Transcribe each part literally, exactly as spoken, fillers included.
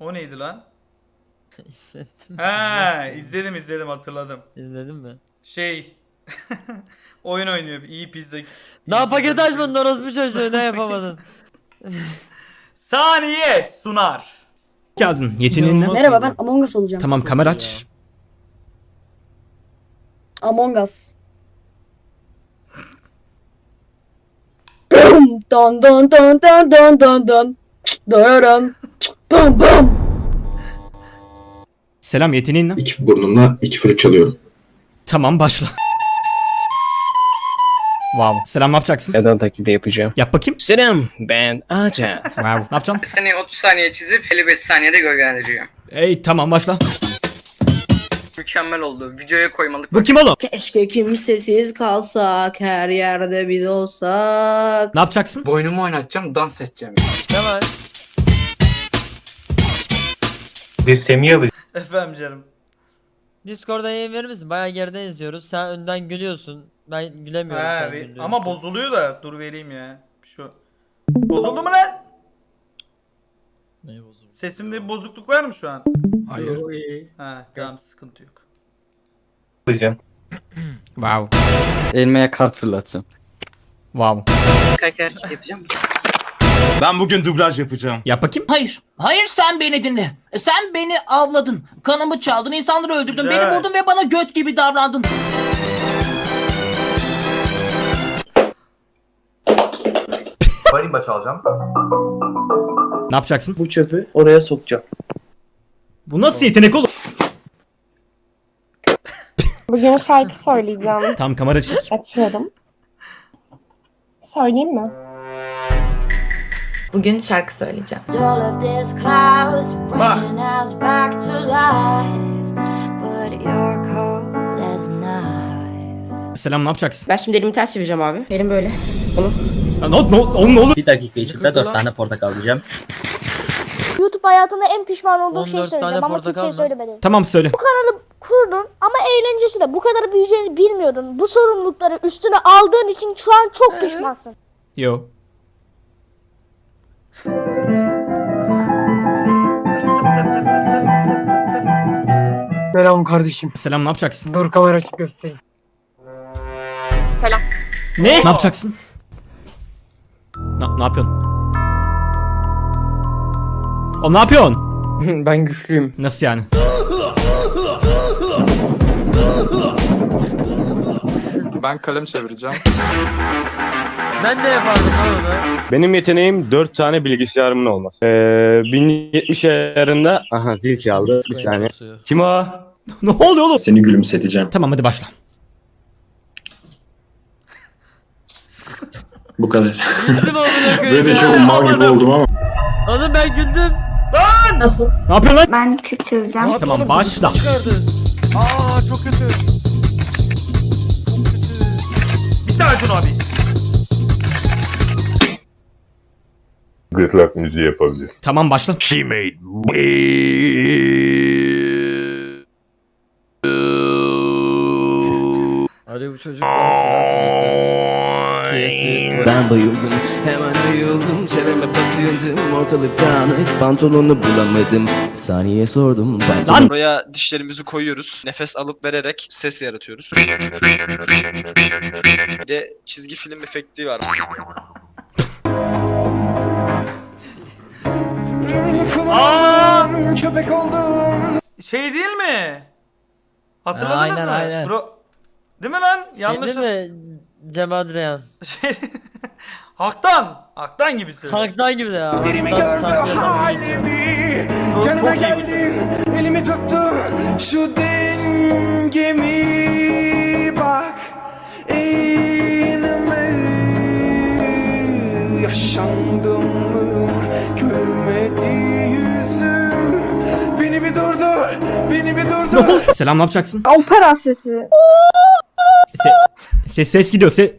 O neydi lan? İzledim. He, izledim izledim hatırladım. İzledin mi? Şey oyun oynuyor. İyi pizza. iyi Daha paket pizza açmadın orospu çocuğu, ne yapamadın? Saniye sunar. Geldin. Yeteneğin ne? İnanılmaz Merhaba, ben oldu. Among Us olacağım. Tamam, Çok kamera iyi aç. Among Us. Bum, don don don don don don don. Dararan. Bum bum. Selam, yeteneğin ne? İki burnumla iki flüt çalıyorum. Tamam, başla. Wow. Selam, ne yapacaksın? Neden taklidi yapacağım? Yap bakayım. Selam, ben Acat. Wow. Ne yapacaksın? Seni otuz saniye çizip elli beş saniyede gölgelendireceğim. Ey tamam, başla. Mükemmel oldu. Videoya koymalık. Bu kim oğlum? Keşke kimsesiz kalsak, her yerde biz olsak. Ne yapacaksın? Boynumu oynatacağım, dans edeceğim. Ne var? Efendim canım. Discord'da yayın verir misin? Bayağı geriden izliyoruz. Sen önden gülüyorsun. Ben gülemiyorum He, sen ve- güldüğün ama için. bozuluyor da dur vereyim ya. Şu. Bozuldu mu lan? Ne bozuldu? Sesimde bir bozukluk var mı şu an? Hayır. Ha, tamam sıkıntı yok. Wow. Elmeye kart fırlatacağım. Wow. Kaç hareket yapacağım? Ben bugün dublaj yapacağım. Yap bakayım. Hayır. Hayır, sen beni dinle. Sen beni avladın. Kanımı çaldın, insanları öldürdün, Güzel. beni vurdun ve bana göt gibi davrandın. Marimba çalacağım. Ne yapacaksın? Bu çöpü oraya sokacağım. Bu nasıl yetenek oğlum? Bugün şarkı söyleyeceğim. Tamam, kamera çek. Açıyorum. Söyleyeyim mi? Bugün şarkı söyleyeceğim. Bak. Selam, ne yapacaksın? Ben şimdi elimi ters çevireceğim abi. Elim böyle. Ya, ne, ne, oğlum ne olur? Bir dakika içinde dört tane portakal alacağım. YouTube hayatında en pişman olduğum on şeyi dört tane söyleyeceğim ama portakal kimseye mı? söylemedim. Tamam, söyle. Kurdun ama eğlencesi de bu kadar büyüyeceğini bilmiyordun. Bu sorumlulukları üstüne aldığın için şu an çok pişmansın. Yo. Selam kardeşim. Selam, ne yapacaksın? Dur kamera açıp göstereyim. Ne? Ne yapacaksın? Ne, ne yapıyorsun? Oğlum ne yapıyorsun? Ben güçlüyüm. Nasıl yani? Ben kalem çevireceğim. Ben de yapardım lan onu. Benim yeteneğim dört tane bilgisayarımın olması. Ee, bin yetmiş ayarında... Aha zil çaldı. Bir saniye. Kim o? Ne oluyor oğlum? Seni gülümseteceğim. Tamam, hadi başla. Bu kadar. Güldüm amına koyayım. Böyle de ya. çok mal gibi oldum ama. Oğlum ben güldüm. Nasıl? Ne yapıyorsun lan? Ben Kürt çözeceğim. Tamam, başla. Aa çok kötü. Çok kötü. Bir daha şunu abi. Gırtlak müziği yapabilir. Tamam, başla. She made Hadi bu çocuk bana sıra Kesi. Ben bayıldım, hemen bayıldım. Çevreme bakıyordum, ortalık dağınık. Pantolonu bulamadım. Saniye sordum. Lan! Buraya dişlerimizi koyuyoruz. Nefes alıp vererek ses yaratıyoruz. Bir de çizgi film efekti var. Aa! Köpek oldum. Şey değil mi? Hatırladınız Aynen, mı? aynen. Bro... Değil mi lan? Yanlış. Şey değil mi? Cem Adrian. Şey... Haktan. Haktan gibi söylüyor. Halktan gibi de ya. Derimi Halktan- gördü halktan- halimi. Çok- Yanına çok iyi geldim, elimi tuttu. Şu dengemi bak. Eğilme. Yaşandım mı? Gülmedi yüzüm. Beni bir durdur. Beni bir Ne durdur. oldu? Selam, ne yapacaksın? Opera sesi. Se ses ses gidiyor. Se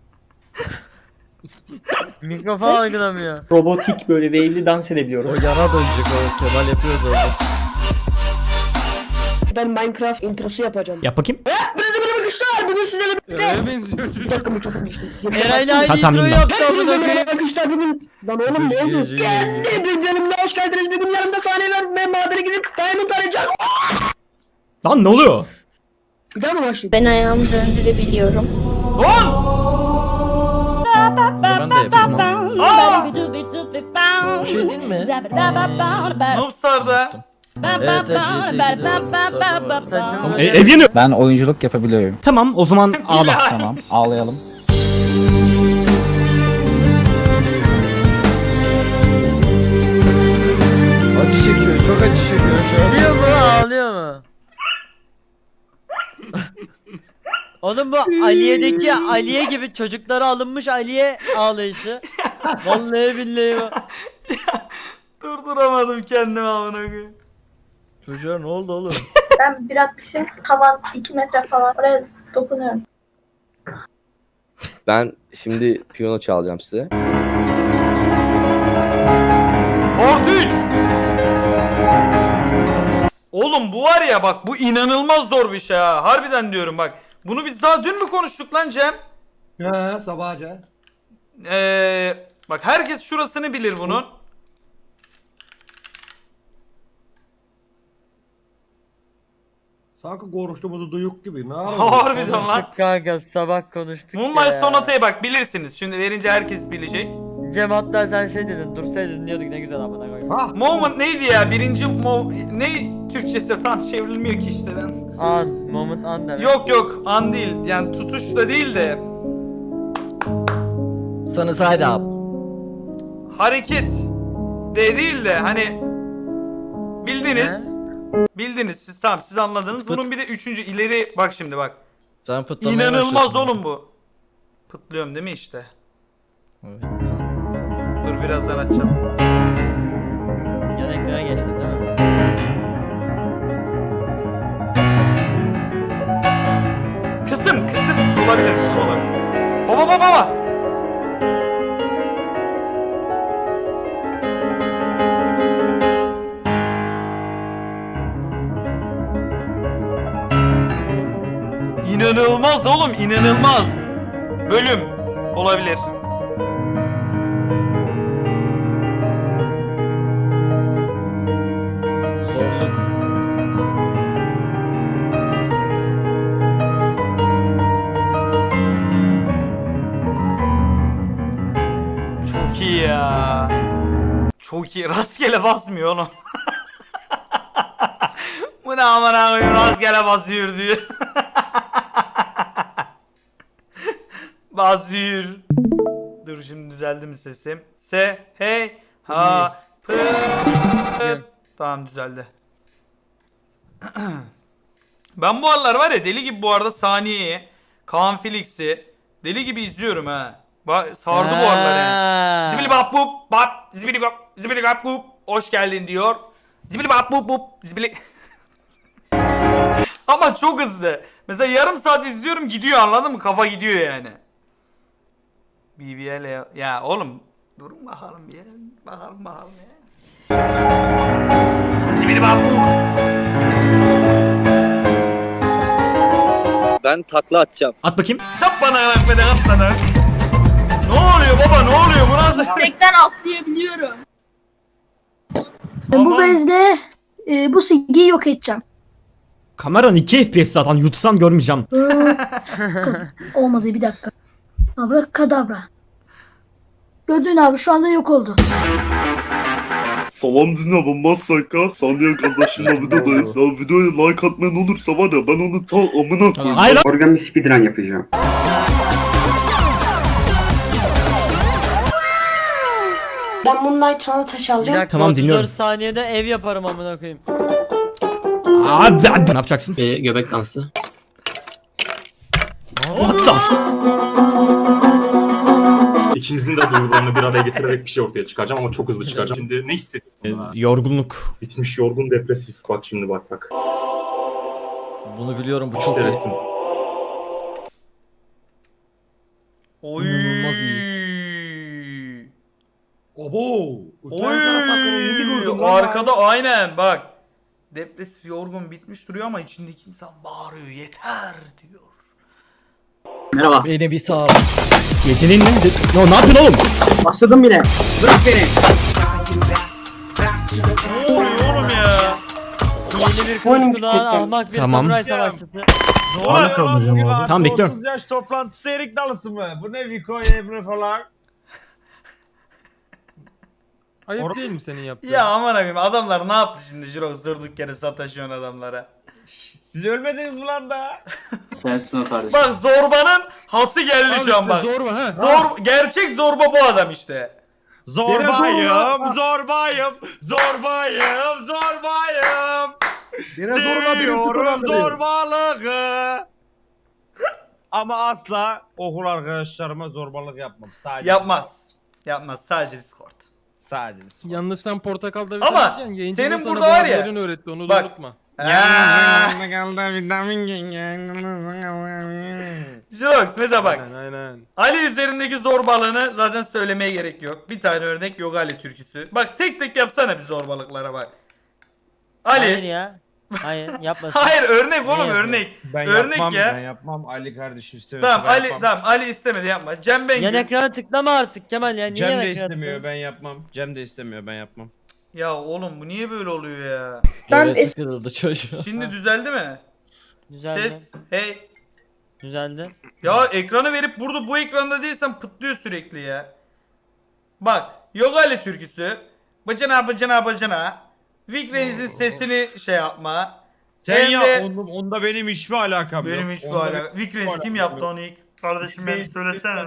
Mikrofon algılamıyor. Robotik böyle wave'li dans edebiliyorum. O yana dönecek o. Kemal yapıyordu orada. Ben Minecraft introsu yapacağım. Yap bakayım. Böyle böyle güçler. Bugün bugün sizlerle Öyle benziyor çocuk. bir dakika mikrofon düştü. Eray'la aynı Tamam, intro tamam. yaptı amına Hepinize koyayım. merhaba arkadaşlar bugün. Lan oğlum ne oldu? Geldi bir bölümde hoş geldiniz. Bugün yanımda sahne var. Ben madene gidip Diamond arayacağım. Lan ne oluyor? Bir daha mı başlayayım? Ben ayağımı döndürebiliyorum. Lan! Ben de yapayım. Aa! Bu şey değil mi? Noobstar'da. Evet, Tamam, e, ev yanıyor. Ben oyunculuk yapabiliyorum. Tamam o zaman ağla. Tamam, ağlayalım. Acı çekiyor, çok acı çekiyor şu an. Ağlıyor mu? Ağlıyor mu? Oğlum bu Aliye'deki Aliye gibi çocuklara alınmış Aliye ağlayışı. Vallahi billahi bu. Durduramadım kendimi amına koyayım. Çocuğa ne oldu oğlum? Ben bir atmışım. Tavan iki metre falan. Oraya dokunuyorum. Ben şimdi piyano çalacağım size. Artı üç. Oğlum bu var ya bak bu inanılmaz zor bir şey ha. Harbiden diyorum bak. Bunu biz daha dün mü konuştuk lan Cem? He sabahca. Ee, bak herkes şurasını bilir bunun. Sanki konuştuğumuzu duyuk gibi. Ne Harbiden lan. Konuştuk kanka sabah konuştuk Moonlight ya. Sonata'ya bak bilirsiniz. Şimdi verince herkes bilecek. Cem hatta sen şey dedin dursaydın dinliyorduk ne güzel amına koyayım. Ha? Moment neydi ya? Birinci mo ne Türkçesi tam çevrilmiyor ki işte ben. An, moment an demek. Yok yok an değil. Yani tutuş da değil de Sana side up. hareket de değil de hani bildiniz. Bildiniz siz tamam siz anladınız. Bunun bir de üçüncü ileri bak şimdi bak. Sen İnanılmaz oğlum bu. Pıtlıyorum değil mi işte? Evet. Dur birazdan açacağım. Yan ekrana geçtin değil mi? Kısım kısım olabilir kısım olabilir. Baba baba baba. İnanılmaz oğlum inanılmaz. Bölüm olabilir. Zorluk. Çok iyi ya. Çok iyi. Rastgele basmıyor oğlum. Bu ne aman abi rastgele basıyor diyor. Basıyor. Dur şimdi düzeldi mi sesim? Se hey ha pı. Tamam düzeldi. Ben bu aralar var ya deli gibi bu arada Saniye'yi, Kaan Felix'i deli gibi izliyorum ha. Ba sardı bu aralar yani. Zibili bap bup bap zibili bap zibili bap bup hoş geldin diyor. Zibili bap bup bup zibili. Ama çok hızlı. Mesela yarım saat izliyorum gidiyor anladın mı? Kafa gidiyor yani. B B L ya. Ya oğlum durun bakalım ya. Bakalım bakalım ya. Zibili bap bup. Ben takla atacağım. At bakayım. Çap bana bak bana at bana. Ne oluyor baba ne oluyor bu nasıl? Yüksekten atlayabiliyorum. Tamam. Bu bezle e, bu silgiyi yok edeceğim. Kameran iki F P S zaten yutsam görmeyeceğim. Olmadı bir dakika. Abrakadabra. Gördün abi şu anda yok oldu. Salam dinle Masaka. Saniye kardeşimle videodayız. Ya videoya like atmayan olursa var ya ben onu ta amına koyayım. Hayır lan. Organ bir speedrun yapacağım. Ben Moonlight Sonata Bir dakika, Tamam, dinliyorum. otuz dört saniyede ev yaparım amına koyayım. Abi, abi. Ne yapacaksın? Ee, göbek dansı. What the f- İkimizin de duygularını bir araya getirerek bir şey ortaya çıkaracağım ama çok hızlı çıkaracağım. Şimdi ne hissediyorsun? Ee, ha? yorgunluk. Bitmiş yorgun depresif. Bak şimdi bak bak. Bunu biliyorum bu çok İşte iyi. resim. Oy. İnanılmaz Obo. Oy. Arkada aynen bak. Depresif yorgun bitmiş duruyor ama içindeki insan bağırıyor yeter diyor. Merhaba. Beni bir sağ. Yeteneğin ne? Ne, ne yapıyorsun oğlum? Başladım yine. Bırak beni. Ne oluyor oğlum ya? Yeni bir kılıç kulağın ahmak bir Tamam. samuray savaşçısı. Ne oluyor lan bugün abi? Tamam, bekliyorum. otuz yaş toplantısı erik dalısı mı? Bu ne Viko Emre falan? Ayıp değil mi senin yaptığın? Ya aman abim adamlar ne yaptı şimdi Jirox durduk yere sataşıyorsun adamlara. Siz ölmediniz mi lan da? Sensin o kardeşim. Bak zorbanın hası geldi şu an bak. Zor mu ha? Zor, gerçek zorba bu adam işte. Zorbayım, zorbayım, zorbayım, zorbayım. Yine zorla bir Seviyorum zorbalığı. Ama asla okul arkadaşlarıma zorbalık yapmam. Sadece Yapmaz. Yapmaz sadece Discord. Sadece. Yalnız sen portakalda bir Ama tane yayıncı senin da sana burada var ya, bazılarını öğretti onu da bak- unutma. Ya. Jirox mesela bak. Aynen aynen. Ali üzerindeki zorbalığını zaten söylemeye gerek yok. Bir tane örnek yok Ali türküsü. Bak tek tek yapsana bir zorbalıklara bak. Hayır Ali. ya. Hayır yapmasın. Hayır örnek oğlum yapıyor? örnek. Ben Örnek yapmam, ya. ben yapmam. Ali kardeşim istemiyor. Tamam Ali tamam Ali istemedi yapma. Cem Yan Bengül. ekrana tıklama artık Kemal ya. Niye Cem yan de ekrana istemiyor, tıklıyorsun? ben yapmam. Cem de istemiyor, ben yapmam. Ya oğlum bu niye böyle oluyor ya? Ben Hevesi kırıldı çocuğun. Şimdi düzeldi mi? Düzeldi. Ses. Hey. Düzeldi. Ya ekranı verip burada bu ekranda değilsen pıtlıyor sürekli ya. Bak Yogale türküsü. Bacana bacana bacana. Vic Reis'in sesini şey yapma. Sen Hem ya, de- onda, onda benim hiçbir alakam yok. Benim hiç bu Onda alaka. Vic Reis kim yaptı onu ilk? Kardeşim benim söylesene.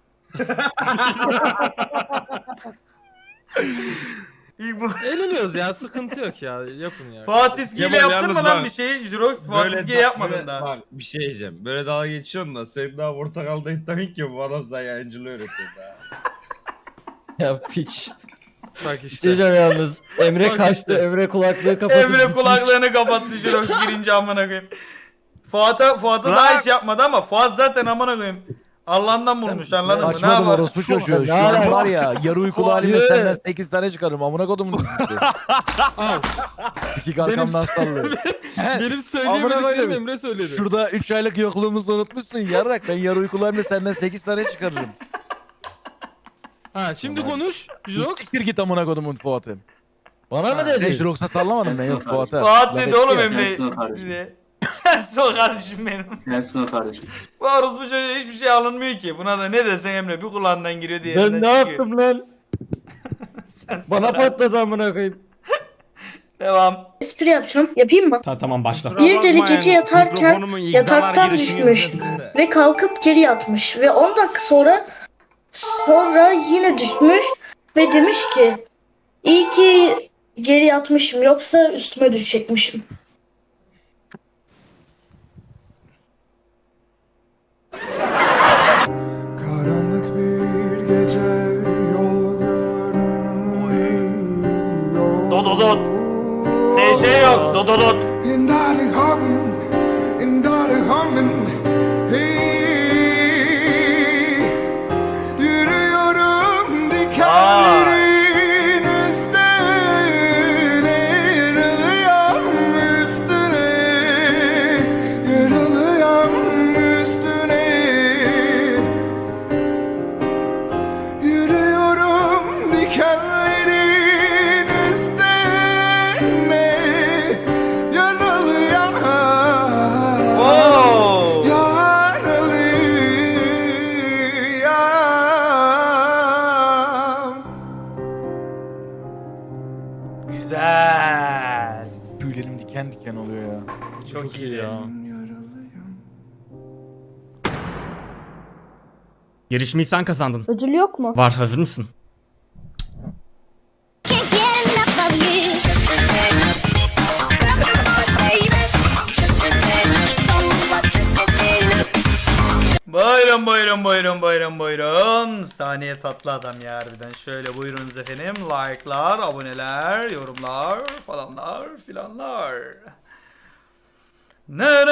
İlk bu. Eğleniyoruz ya sıkıntı yok ya yapın ya. Fatih İzgi'yle Kemal yaptın mı yalnız lan bak, bir şey? Jirox Fatih Böyle İzgi'ye da- yapmadın böyle- daha. Bak bir şey diyeceğim. Böyle dalga geçiyorsun da sen daha portakalda iddian ki bu adam sana yayıncılığı öğretiyor daha. Ya piç. Bak işte. Diyeceğim yalnız. Emre Bak kaçtı. işte. Emre kulaklığı kapatıp. Emre gitmiş. kulaklarını kapattı Jirox girince amına koyayım. Fuat'a Fuat'a daha hiç yapmadı ama Fuat zaten amına koyayım. Allah'tan bulmuş anladın mı? Ne Kaçmadım yapar? orospu çocuğu. Ne Şu an alaka? var ya yarı uykulu halimle Hayır. senden sekiz tane çıkarırım. Amına kodumun dizisi. Al. İki arkamdan sallıyor. Benim söyleyemediklerim Emre söyledi. Şurada üç aylık yokluğumuzu unutmuşsun yarrak. Ben yarı uykulu halimle senden sekiz tane çıkarırım. Ha şimdi konuş. Jirox. Siktir git amına kodumun Fuat'ım. Bana mı Ben dedi? Jirox'a sallamadım ben yok Fuat'a. Fuat Laf dedi etti oğlum ya. Emre. diye. Sensin o kardeşim benim. Sensin o kardeşim. Bu orospu çocuğa hiçbir şey alınmıyor ki. Buna da ne desen Emre bir kulağından giriyor diye. Ben ne yaptım lan? Sensin Bana o kardeşim. patladı amına koyayım. Devam. espri yapacağım. Yapayım mı? Ta tamam başla. Bir deli gece yatarken yataktan düşmüş ve kalkıp geri yatmış ve on dakika sonra sonra yine düşmüş ve demiş ki iyi ki geri yatmışım yoksa üstüme düşecekmişim. Karanlık bir gece yol görünmüyor. Dododot. S Ş yok. Dododot. İndari hamin, indari hamin. Hey, yürüyorum dikenlerin üstüne, yürüyorum üstüne, yürüyorum üstüne. Yürüyorum dikenlerin üstüne, yaralı yaram, Oo. yaralı yaram. Güzel. Tüylerim diken diken oluyor ya. Çok, iyi ya. Yarışmayı sen kazandın. Ödül yok mu? Var hazır mısın? Buyurun buyurun buyurun buyurun buyurun. Saniye tatlı adam ya harbiden. Şöyle buyurunuz efendim. Like'lar, aboneler, yorumlar falanlar filanlar. Ne